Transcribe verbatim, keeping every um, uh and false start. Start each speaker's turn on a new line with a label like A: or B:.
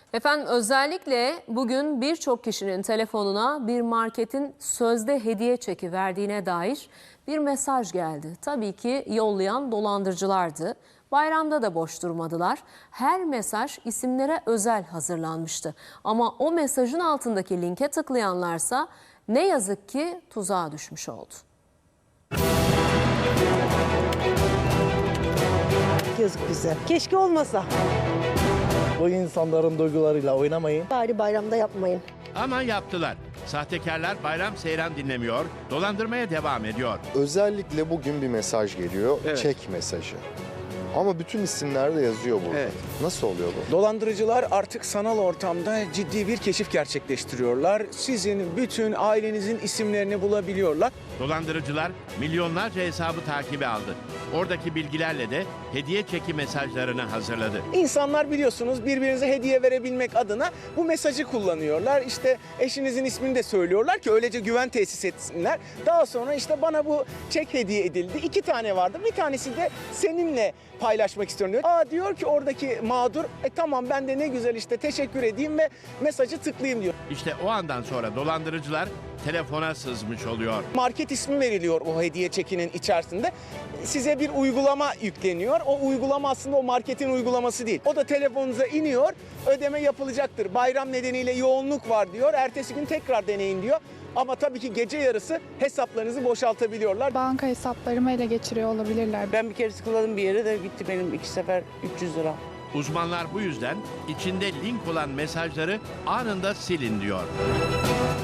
A: Efendim özellikle bugün birçok kişinin telefonuna bir marketin sözde hediye çeki verdiğine dair bir mesaj geldi. Tabii ki yollayan dolandırıcılardı. Bayramda da boş durmadılar. Her mesaj isimlere özel hazırlanmıştı. Ama o mesajın altındaki linke tıklayanlarsa ne yazık ki tuzağa düşmüş oldu.
B: Yazık bize. Keşke olmasa.
C: Bu insanların duygularıyla oynamayın.
B: Bari bayramda yapmayın.
D: Ama yaptılar. Sahtekarlar bayram seyran dinlemiyor, dolandırmaya devam ediyor.
E: Özellikle bugün bir mesaj geliyor,
F: Evet.
E: çek mesajı. Ama bütün isimler de yazıyor burada.
F: Evet.
E: Nasıl oluyor bu?
F: Dolandırıcılar artık sanal ortamda ciddi bir keşif gerçekleştiriyorlar. Sizin bütün ailenizin isimlerini bulabiliyorlar.
D: Dolandırıcılar milyonlarca hesabı takibe aldı. Oradaki bilgilerle de hediye çeki mesajlarını hazırladı.
F: İnsanlar biliyorsunuz birbirinize hediye verebilmek adına bu mesajı kullanıyorlar. İşte eşinizin ismini de söylüyorlar ki öylece güven tesis etsinler. Daha sonra işte bana bu çek hediye edildi. İki tane vardı. Bir tanesi de seninle paylaşmak istiyorum diyor. Aa diyor ki oradaki mağdur e tamam ben de ne güzel işte teşekkür edeyim ve mesajı tıklayayım diyor.
D: İşte o andan sonra dolandırıcılar telefona sızmış oluyor.
F: Market ismi veriliyor o hediye çekinin içerisinde. Size bir uygulama yükleniyor. O uygulama aslında o marketin uygulaması değil. O da telefonunuza iniyor, ödeme yapılacaktır. Bayram nedeniyle yoğunluk var diyor. Ertesi gün tekrar deneyin diyor. Ama tabii ki gece yarısı hesaplarınızı boşaltabiliyorlar.
G: Banka hesaplarımı ele geçiriyor olabilirler.
H: Ben bir kere tıkladım bir yere de gitti benim iki sefer üç yüz lira.
D: Uzmanlar bu yüzden içinde link olan mesajları anında silin diyor.